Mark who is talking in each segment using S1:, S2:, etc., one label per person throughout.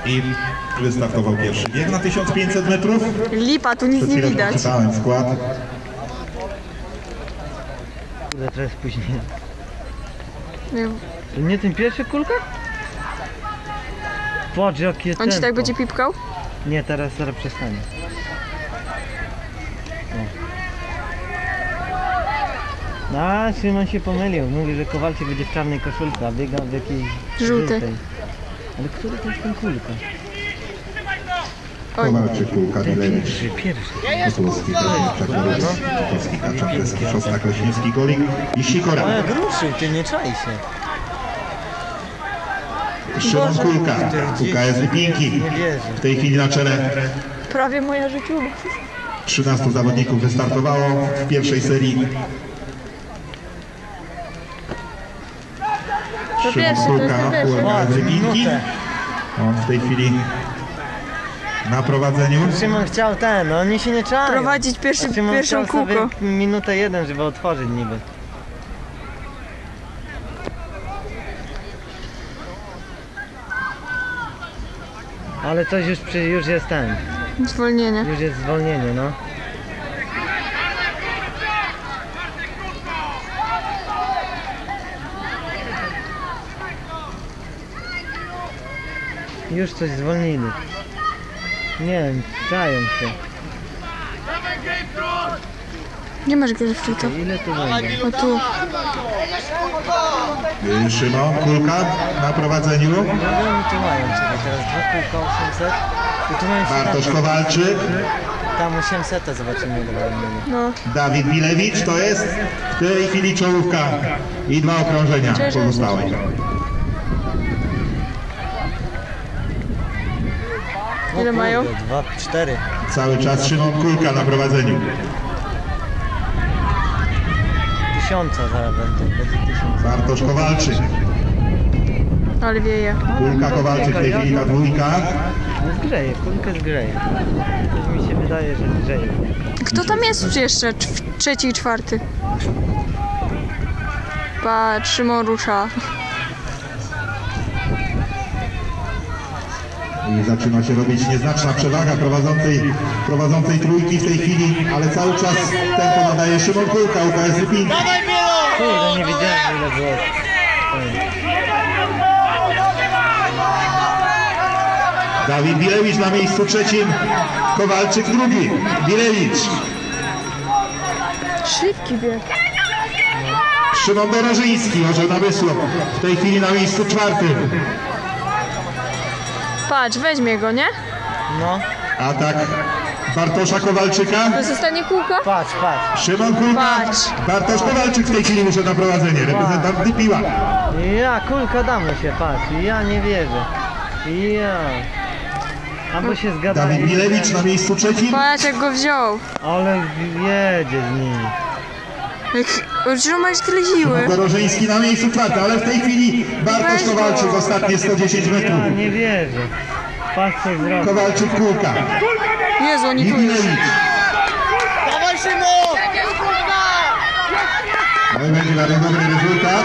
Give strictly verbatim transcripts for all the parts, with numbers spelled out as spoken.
S1: i wystartował pierwszy bieg na tysiąc pięćset metrów.
S2: Lipa, tu nic nie widać.
S1: Przeczytałem skład.
S3: Kurde, teraz później.
S2: Nie.
S3: To nie ten pierwszy kulka? Patrz jakie tempo.
S2: On ci tak będzie pipkał?
S3: Nie, teraz zaraz przestanie. O. A, Szymon się pomylił. Mówi, że Kowalczyk będzie w czarnej koszulce, a biega w jakiejś
S2: Żółtej.
S3: żółtej. Ale który to jest ten kulka?
S2: Oj.
S1: Kowalczyk, Kulka, Bilewicz,
S3: Pierwszy, pierwszy.
S1: Kozłowski, Czakorowski, Kotowski, Kaczak, Kresow, Szostak, Leśnicki, Golik i Sikora.
S3: A jak ruszył, ty nie czaj się.
S1: Szymon Kulka, U K S Lipinki.
S3: Nie wierzę.
S1: W tej chwili na czele
S2: Prawie moja życiówka.
S1: trzynastu zawodników wystartowało w pierwszej serii.
S2: To
S1: Szymon
S2: pierwszy, to jest
S1: Kulka,
S2: to pierwszy.
S1: U K S Lipinki.
S3: Minutę.
S1: On w tej chwili na prowadzeniu.
S3: Szymon chciał ten, no oni się nie czają.
S2: Prowadzić pierwszy,
S3: A Szymon
S2: pierwszą
S3: chciał sobie
S2: kółko.
S3: minutę jeden, żeby otworzyć niby. Ale coś już, przy, już jest ten,
S2: Zwolnienie.
S3: już jest zwolnienie, no. Już coś zwolnili. Nie wiem, czają się.
S2: Nie masz grafita.
S3: Ile tu będzie?
S2: O tu.
S1: Szymon Kulka na prowadzeniu.
S3: No oni tu mają, czekaj, teraz dwa kółka osiemset. I tu mają się
S1: Bartosz
S3: tam,
S1: Kowalczyk,
S3: tam osiemset, zobaczymy ile będą mieli.
S2: No.
S1: Dawid Bilewicz, to jest w tej chwili czołówka i dwa okrążenia pozostałe.
S3: O
S2: Ile mają?
S3: kurde, dwa, cztery.
S1: Cały czas Szymon Kulka na prowadzeniu.
S3: Tysiąca zaraz będą, będzie tysiąc.
S1: Bartosz Kowalczyk,
S2: Ale wieje.
S1: Kulka Kowalczyk w tej chwili ta dwójka.
S3: No zgrzeje, kulkę zgrzeje. Coś mi się wydaje, że zgrzeje.
S2: Kto tam jest jeszcze? Cz- Trzeci i czwarty. Patrz, Szymon rusza.
S1: I zaczyna się robić nieznaczna przewaga prowadzącej, prowadzącej trójki w tej chwili, ale cały czas tempo nadaje Szymon Kulka, U K S Lipinki.
S3: Kurde, nie wiedziałem ile było.
S1: Dawid Bilewicz na miejscu trzecim, Kowalczyk drugi, Bilewicz.
S2: Szybki bieg.
S1: Szymon Dorożyński, Orzeł Namysłów, w tej chwili na miejscu czwartym.
S2: Patrz, weźmie go, nie?
S3: No,
S1: Atak Bartosza Kowalczyka.
S2: To jest ostatnie kółko?
S3: patrz, patrz.
S1: Szymon Kulka,
S2: Patrz.
S1: Bartosz Kowalczyk w tej chwili wyszedł na prowadzenie, reprezentant Dypiła.
S3: Ja, kulka damy się, patrz. Ja nie wierzę. Ja. Albo się zgadali.
S1: Dawid Bilewicz na miejscu trzecim.
S2: Patrz, jak go wziął.
S3: Ale jedzie z nimi.
S2: Czemu masz tyle siły?
S1: Dorożyński na miejscu czwartym, ale w tej chwili Bartosz
S2: Weź go.
S1: Kowalczyk ostatnie sto dziesięć metrów.
S3: Ja nie wierzę. Patrz co zrobił.
S1: Kowalczyk Kulka
S2: Jezu,
S1: i
S2: oni tu już.
S1: Bilewicz.
S3: Dawaj Szymon!
S1: No i będzie bardzo dobry rezultat.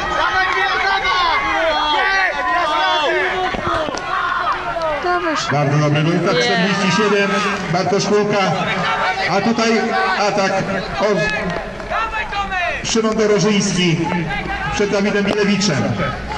S2: Dawaj.
S1: Bardzo dobry rezultat, czterdzieści siedem, Bartosz Kulka. A tutaj atak od Szymon Dorożyński przed Dawidem Bilewiczem.